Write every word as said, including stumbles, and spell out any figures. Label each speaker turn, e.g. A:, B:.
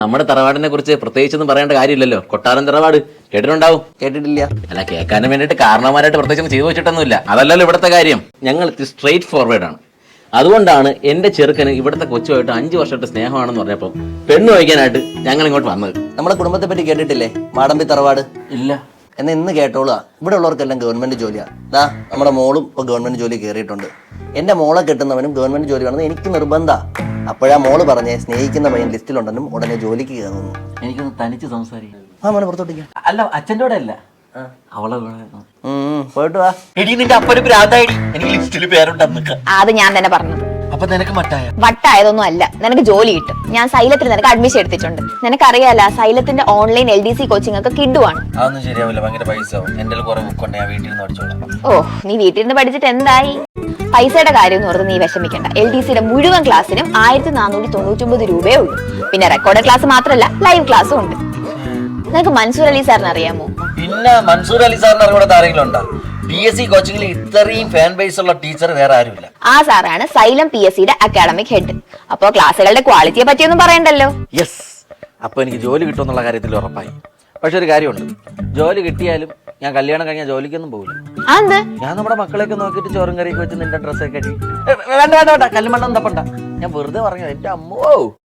A: നമ്മുടെ തറവാടിനെ കുറിച്ച് പ്രത്യേകിച്ചൊന്നും പറയേണ്ട കാര്യമില്ലല്ലോ. കൊട്ടാരം തറവാട് കേട്ടിട്ടുണ്ടാവും.
B: കേട്ടിട്ടില്ല.
A: അല്ല, കേൾക്കാനും വേണ്ടിയിട്ട് കാരണവന്മാരായിട്ട് പ്രത്യേകിച്ച് ചെയ്തു വെച്ചിട്ടൊന്നുമില്ല. അതല്ലല്ലോ ഇവിടുത്തെ കാര്യം. ഞങ്ങൾ സ്ട്രെയിറ്റ് ഫോർവേഡ് ആണ്. അതുകൊണ്ടാണ് എന്റെ ചെറുക്കന് ഇവിടുത്തെ കൊച്ചുമായിട്ട് അഞ്ചു വർഷമായിട്ട് സ്നേഹമാണെന്ന് പറഞ്ഞപ്പോൾ പെണ്ണ് വയ്ക്കാനായിട്ട് ഞങ്ങൾ ഇങ്ങോട്ട് വന്നത്.
B: നമ്മളെ കുടുംബത്തെ പറ്റി കേട്ടിട്ടില്ലേ? മാടമ്പി തറവാട്.
A: ഇല്ല.
B: എന്നാ ഇന്ന് കേട്ടോളാ. ഇവിടെ ഉള്ളവർക്കെല്ലാം ഗവൺമെന്റ് ജോലിയാ. ദാ നമ്മുടെ മോളും ഇപ്പൊ ഗവൺമെന്റ് ജോലി കയറിയിട്ടുണ്ട്. എന്റെ മോളെ കെട്ടുന്നവനും ഗവൺമെന്റ് ജോലി വേണമെന്ന് എനിക്ക് നിർബന്ധ. അപ്പോഴാ മോള് പറഞ്ഞേ സ്നേഹിക്കുന്ന പയ്യൻ ലിസ്റ്റിലുണ്ടെന്നും ഉടനെ ജോലിക്ക് കയറുന്നു.
A: എനിക്കൊന്ന് തനിച്ച് സംസാരിക്കാം.
B: ആ മോനെ പുറത്തോട്ടിരിക്കാം.
A: അല്ല, അച്ഛൻ്റെ കൂടെ അല്ല, അവളെ
B: പോയിട്ട് വാ.
A: എടി, നിന്റെ അപ്പന് ഭ്രാന്തായിടി. എനിക്ക് ലിസ്റ്റിൽ പേരുണ്ടെന്ന്.
C: അത് ഞാൻ തന്നെ പറഞ്ഞത്.
A: അപ്പൊ നിനക്ക് മട്ടായ
C: വട്ടായതൊന്നും അല്ല. നിനക്ക് ജോലി കിട്ടും. ഞാൻ സൈലത്തിൽ നിനക്ക് അഡ്മിഷൻ എടുത്തിട്ടുണ്ട്. നിനക്കറിയാല സൈലത്തിന്റെ online L D C coaching ഒക്കെ കിഡുവാണ്.
A: അതൊന്നും ശരിയാവില്ല, ഭയങ്കര പൈസ ആവും. എന്റെ കുറെ ബുക്കുണ്ട്, ഞാൻ വീട്ടിൽ നിന്ന് പഠിച്ചോളാം.
C: ഓ, നീ വീട്ടിൽ നിന്ന് പഠിച്ചിട്ട് എന്തായി? പൈസയുടെ കാര്യം എന്ന് ഓർത്ത് നീ വിഷമിക്കണ്ട. എൽ ഡി സിയുടെ മുഴുവൻ ക്ലാസ്സിനും ആയിരത്തി നാനൂറ്റി തൊണ്ണൂറ്റി ഒമ്പത് രൂപയേ ഉള്ളൂ. പിന്നെ റെക്കോർഡ് ക്ലാസ് മാത്രമല്ല, ലൈവ് ക്ലാസ്സും ഉണ്ട്. നിനക്ക് മൻസൂർ അലി സാറിന് അറിയാമോ?
A: പിന്നെ മൻസൂർ അലി സാറിന് അറിയാത്ത ആരെങ്കിലും ഉണ്ടോ? പി എസ് സി കോച്ചിങ്ങിൽ ഇത്രയും ഫാൻ ബേസ് ഉള്ള ടീച്ചർ വേറെ ആരുമില്ല.
C: ആ സാറാണ് സൈലം പി എസ് സിയുടെ അക്കാഡമിക് ഹെഡ്. അപ്പോ ക്ലാസ്സുകളുടെ ക്വാളിറ്റിയെ പറ്റിയൊന്നും പറയണ്ടല്ലോ.
A: യെസ്. അപ്പൊ എനിക്ക് ജോലി കിട്ടുമെന്നുള്ള കാര്യത്തിൽ ഉറപ്പായി. പക്ഷെ ഒരു കാര്യമുണ്ട്, ജോലി കിട്ടിയാലും ഞാൻ കല്യാണം കഴിഞ്ഞാൽ ജോലിക്കൊന്നും പോകില്ല. ഞാൻ നമ്മുടെ മക്കളെയൊക്കെ നോക്കിയിട്ട് ചോറും കറിയൊക്കെ വെച്ച് നിന്റെ ഡ്രസ്സൊക്കെ കെട്ടി വേണ്ട വേണ്ട വേണ്ട കല്ലുമണ്ണം തപ്പണ്ട. ഞാൻ വെറുതെ പറഞ്ഞു. എന്റെ അമ്മോ.